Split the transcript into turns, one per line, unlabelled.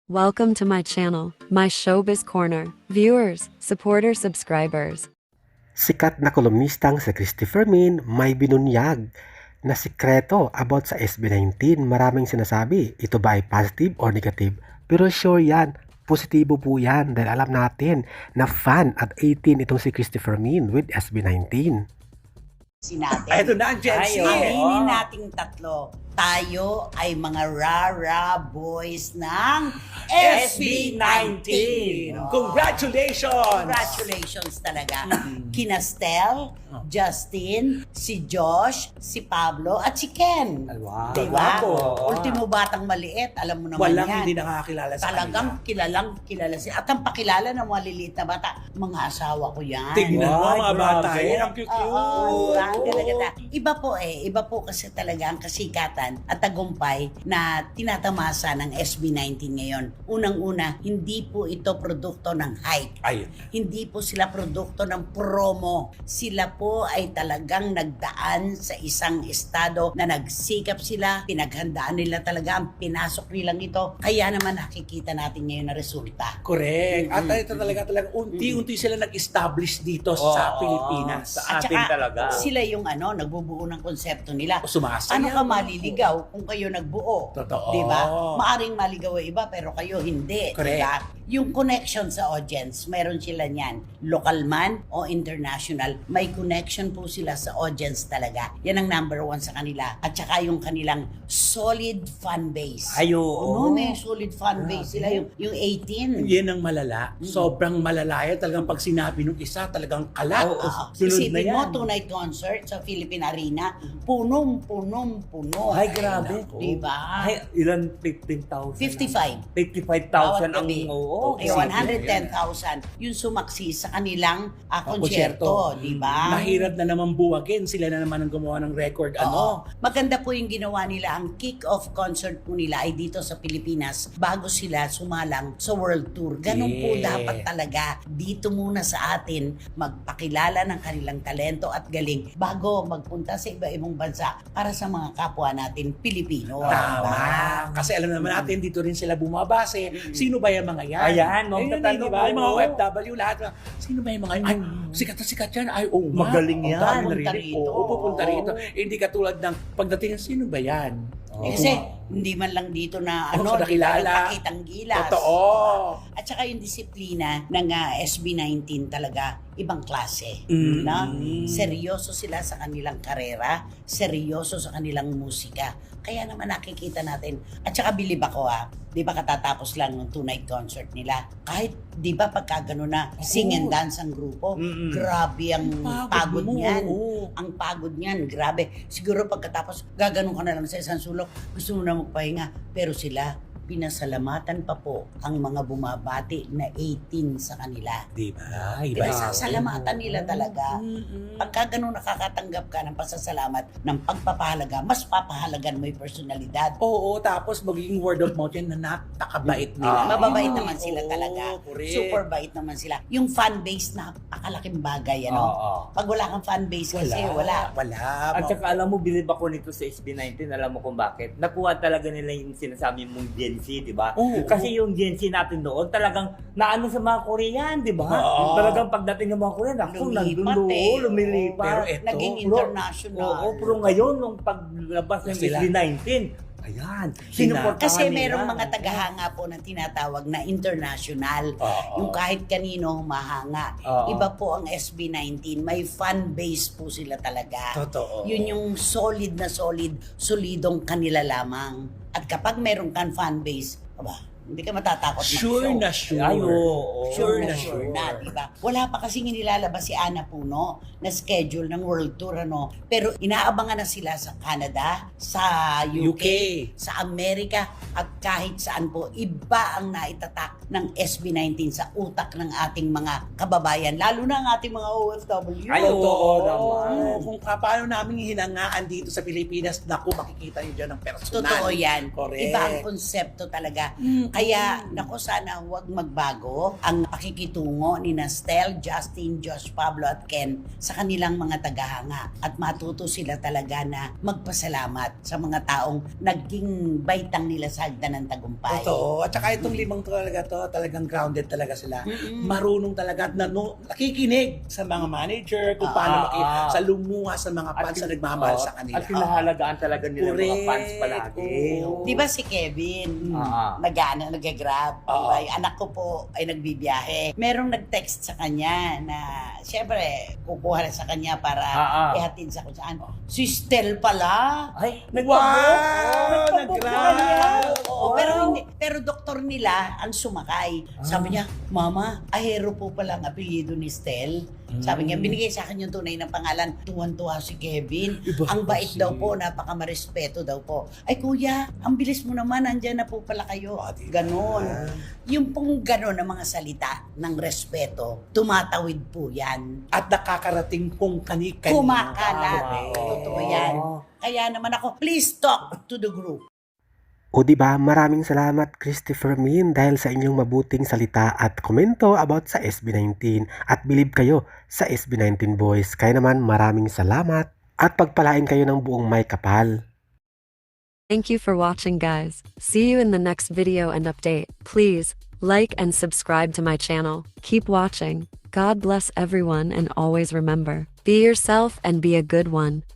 Welcome to my channel, my Showbiz Corner. Viewers, supporters, subscribers.
Sikat na kolumnistang si Christopher Min may binunyag na sikreto about sa SB19. Maraming sinasabi, ito ba ay positive or negative? Pero sure yan, positibo po yan dahil alam natin na fan at 18 itong si Christopher Min with SB19.
Natin.
Ito na ang Gen Z.
Aminin nating tatlo. Tayo ay mga rara boys ng SB19.
Congratulations!
Congratulations talaga. Kina Stel, Justin, si Josh, si Pablo, at si Ken.
Wow.
Diba?
Guwapo.
Ultimo batang maliit, alam mo naman
Walang
yan.
hindi nakakakilala sa
Talagang kilala siya. At ang pakilala ng mga liliit na bata, mga asawa ko yan.
Tignan mo
Wow,
mga bata.
grabe.
Yan ang cute.
Oo, ang ganda-ganda. Iba po kasi talaga ang kasikatan at tagumpay na tinatamasa ng SB19 ngayon. Unang-una, hindi po ito produkto ng hype.
Ayun.
Hindi po sila produkto ng promo. Sila po ay talagang nagdaan sa isang estado na nagsikap sila, pinaghandaan nila talaga ang pinasok nilang ito. Kaya naman nakikita natin ngayon na resulta.
Correct. At ito talaga unti-unti sila nag-establish dito sa Pilipinas.
Sa atin talaga.
Sila yung nagbubuo ng konsepto nila.
Sumasayaw.
Ano ka maliligaw kung kayo nagbuo?
Totoo.
Di ba? Maaring maligaw ang iba pero kayo hindi.
Correct.
Diba? Yung connection sa audience, meron sila niyan. Local man o international, may connection po sila sa audience talaga. Yan ang number one sa kanila. At saka yung kanilang solid fan base.
Ayo.
May solid fan base sila. Yung 18.
Yan ang malala. Sobrang malala yan. Talagang pag sinabi nung isa, talagang kalat.
Sunod na
Isipin mo,
yan.
two-night concert sa Philippine Arena, puno.
Ay, grabe.
Diba?
Ay, ilan? 15,000?
55.
55,000 ang
gabi.
oo.
Okay, 110,000 yung sumaksi sa kanilang konsyerto, di ba?
Mahirap na naman buwagin. Sila na naman ang gumawa ng record.
Oo. Maganda po yung ginawa nila. Ang kick-off concert po nila ay dito sa Pilipinas bago sila sumalang sa World Tour. Ganun po
Yeah.
dapat talaga. Dito muna sa atin magpakilala ng kanilang talento at galing bago magpunta sa iba-ibang bansa para sa mga kapwa natin Pilipino.
Tama.
Diba?
Kasi alam naman natin, dito rin sila bumabase. Sino ba yung mga yan?
Ayan, no?
Ayun,
Tatanong
di ba? Yung mga
ko.
OFW, lahat. Sino ba yung mga yan? Ay, sikat na sikat yan. Ay, oo nga.
Magaling yan.
Ang dami
Pupunta
narinig.
rito.
Oo, pupunta
Oo.
rito. Hindi katulad ng pagdating, sino ba yan?
Kasi hindi man lang dito na
Oo, nakilala.
pakitang gilas.
Totoo.
At saka yung disiplina ng SB19 talaga ibang klase.
Mm.
Na? Seryoso sila sa kanilang karera, seryoso sa kanilang musika. Kaya naman nakikita natin. At saka bilib ako di ba katatapos lang ng two-night concert nila. Kahit di ba pagka gano'n na sing and dance ang grupo, grabe ang pagod
mo,
niyan.
oo.
Ang pagod niyan, grabe. Siguro pagkatapos gaganon ka na lang sa isang sulok, gusto mo na magpahinga. Pero sila, pinasalamatan pa po ang mga bumabati na 18 sa kanila.
Di ba? Iba
Pinasasalamatan nila talaga. Pagka ganun nakakatanggap ka ng pasasalamat, ng pagpapahalaga, mas papahalagan mo yung personalidad.
Oo, tapos magiging word of mouth yan na napakabait nila.
Mababait naman sila
Oo,
talaga.
correct.
Super bait naman sila. Yung fan base, napakalaking bagay,
Oo.
Pag wala kang fan base kasi, wala.
At saka alam mo, bilib ako nito sa SB19, alam mo kung bakit. Nakuha talaga nila yung sinasabi mong Gen Z, di ba?
Oo.
Kasi yung Gen Z natin noon, talagang naano sa mga Korean, di ba?
Oo.
Talagang pagdating ng mga Korean, ako, nandun doon, lumilipat.
Pero eto,
Naging
Pero-
international.
Oo, pero ngayon, nung paglabas ng
Sila.
SB19, ayan, sinuportahan
Kasi
nila.
merong mga tagahanga po na tinatawag na international.
Oo.
Yung kahit kanino mahanga.
Oo.
Iba po ang SB19. May fan base po sila talaga.
Totoo.
Yun yung solid na solidong kanila lamang. At kapag meron kang fan base, hindi ka matatakot
Sure
mag-show.
na sure.
Ay, oo.
Sure na
Sure.
sure na, di ba? Wala pa kasing inilalabas si Ana Puno na schedule ng World Tour, Pero inaabangan na sila sa Canada, sa UK,
UK.
sa Amerika, at kahit saan po. Iba ang naitatak ng SB19 sa utak ng ating mga kababayan, lalo na ang ating mga OFW.
Ay, totoo naman.
Kung paano namin hinangaan dito sa Pilipinas, naku, makikita niyo dyan ang personal.
Totoo yan.
Correct.
Iba ang konsepto talaga. Kaya, naku, sana huwag magbago ang pakikitungo ni Nastel, Justin, Josh, Pablo at Ken sa kanilang mga tagahanga. At matuto sila talaga na magpasalamat sa mga taong naging baitang nila sa hagdan ng tagumpay.
Totoo. At saka itong limang talagang grounded talaga sila. Marunong talaga at nakikinig sa mga manager, kung paano sa lumuha sa mga fans na nagmamahal sa kanila.
At pinahalagaan talaga nila mga fans palagi.
Oo.
Di ba si Kevin, nag-grab,
Oo.
ay anak ko po ay nagbibiyahe. Merong nag-text sa kanya na, syempre, kukuha na sa kanya para ihatid sa kung saan. Si Stel pala.
Ay,
Wow! Nag-grab!
Oo, pero doktor nila ang sumakay. Sabi niya, Mama, Ahero po pala ang apelyido ni Stel. Sabi niya, binigay sa akin yung tunay na pangalan. Tuwan-tuwa si Kevin. Ang bait daw po, napaka-marespeto daw po. Ay kuya, ang bilis mo naman, andyan na po pala kayo. Ganon. Yung pong ganon na mga salita ng respeto, tumatawid po yan.
At nakakarating kung kani-kanino.
Kumakalat.
Correct.
Totoo yan. Kaya naman ako, please talk to the group.
O di ba, maraming salamat Christopher Min dahil sa inyong mabuting salita at komento about sa SB19 at believe kayo sa SB19 boys. Kaya naman maraming salamat at pagpalain kayo ng buong may kapal.
Thank you for watching, guys. See you in the next video and update. Please like and subscribe to my channel. Keep watching. God bless everyone, and always remember, be yourself and be a good one.